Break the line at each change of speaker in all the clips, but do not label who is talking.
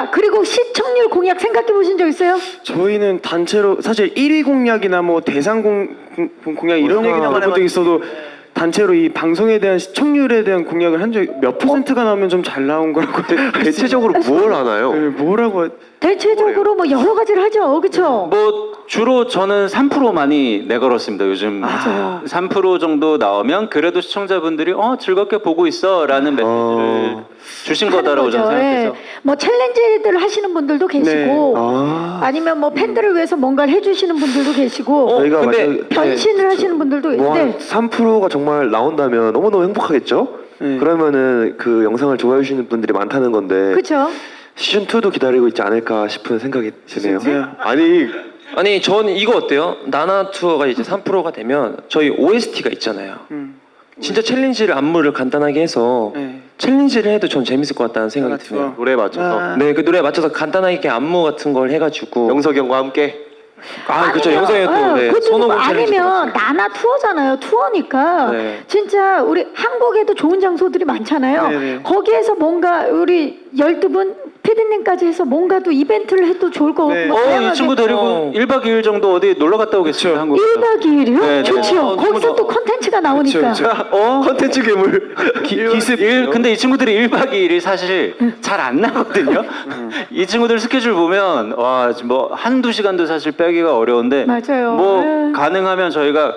자, 그리고 시청률 공약 생각해 보신 적 있어요?
저희는 단체로 사실 1위 공약이나 뭐 대상 공약 이런 얘기는 안 해본 적 있어도 단체로 이 방송에 대한 시청률에 대한 공약을 한 적이 몇 퍼센트가 나오면 좀 잘 나온 거라고
대체적으로 뭘 하나요?
네, 뭐라고
대체적으로 뭐 여러 가지를 하죠, 그렇죠?
뭐 주로 저는 3% 많이 내걸었습니다. 요즘
맞아요.
3% 정도 나오면 그래도 시청자분들이 즐겁게 보고 있어라는 메시지를 주신 거다라고 저는 생각해서.
뭐 챌린지들 하시는 분들도 계시고, 아니면 뭐 팬들을 위해서 뭔가를 해주시는 분들도 계시고,
저희가
근데
만약에
변신을 하시는 분들도 있고,
뭐한 3%가 정말 나온다면 너무너무 행복하겠죠? 그러면은 그 영상을 좋아해 주시는 분들이 많다는 건데
그렇죠?
시즌 2도 기다리고 있지 않을까 싶은 생각이 드네요.
진짜.
아니 전 이거 어때요? 나나 투어가 이제 3%가 되면 저희 OST가 있잖아요. 진짜 챌린지를 안무를 간단하게 해서
네.
챌린지를 해도 전 재밌을 것 같다는 생각이 드네요.
노래에 맞춰서
네, 그 노래에 맞춰서 간단하게 안무 같은 걸 해가지고
영석이 형과 함께
그렇죠. 영상에 또 네,
그것도
손오공 챌린지
아니면 나나 투어잖아요. 투어니까
네.
진짜 우리 한국에도 좋은 장소들이 많잖아요.
네네.
거기에서 뭔가 우리 12분 피디님까지 해서 뭔가 또 이벤트를 해도 좋을 것 같고
네.
뭐
이
다양하게.
친구 데리고 1박 2일 정도 어디 놀러 갔다 오겠습니다. 한국.
1박 2일이요?
네, 네.
좋지요. 거기서 또 컨텐츠가 나오니까.
컨텐츠 괴물
기습 근데 이 친구들이 1박 2일이 사실 잘 안 나거든요. 이 친구들 스케줄 보면 와, 뭐 한두 시간도 사실 빼기가 어려운데
맞아요.
뭐
네.
가능하면 저희가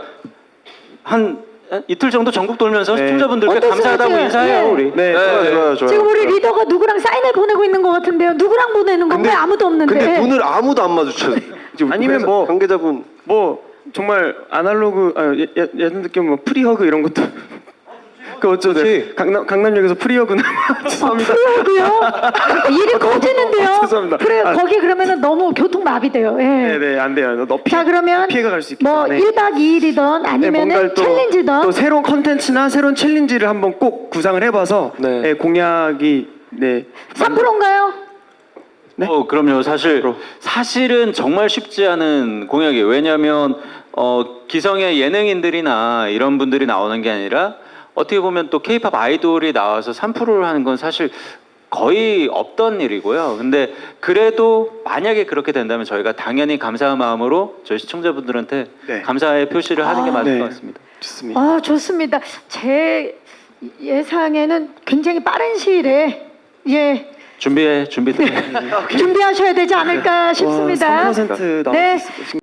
한 이틀 정도 전국 돌면서
네.
시청자분들께
어떤
감사하다고
생각이에요?
인사해요,
네.
우리.
네, 좋아요.
지금 우리 리더가 누구랑 사인을 보내고 있는 것 같은데요. 누구랑 보내는 건가요? 아무도 없는데.
근데 눈을 아무도 안 마주쳐. 지금
아니면
회사
뭐-
관계자분
뭐 정말 아날로그 예전 느낌 뭐 프리허그 이런 것도 그 어쩌죠? 강남역에서 프리허그나 죄송합니다.
프리허그요? 일이 커지는데요.
죄송합니다.
거기 그러면은 너무 교통 마비돼요. 예.
네네 안 돼요. 너
자 그러면
피해가 갈 수 있기
뭐
때문에.
1박 2일이던 아니면은 챌린지던
또 새로운 컨텐츠나 새로운 챌린지를 한번 꼭 구상을 해봐서
네.
네, 공약이 네
3%인가요?
그럼요. 사실은 정말 쉽지 않은 공약이에요. 왜냐하면 기성의 예능인들이나 이런 분들이 나오는 게 아니라 어떻게 보면 또 K-팝 아이돌이 나와서 3%를 하는 건 사실 거의 없던 일이고요. 근데 그래도 만약에 그렇게 된다면 저희가 당연히 감사한 마음으로 저희 시청자분들한테
네.
감사의 표시를 하는 게 맞을
네.
것 같습니다.
좋습니다.
아 좋습니다. 제 예상에는 굉장히 빠른 시일에 준비하셔야 되지 않을까 싶습니다.
3% 나올
네.
수 있을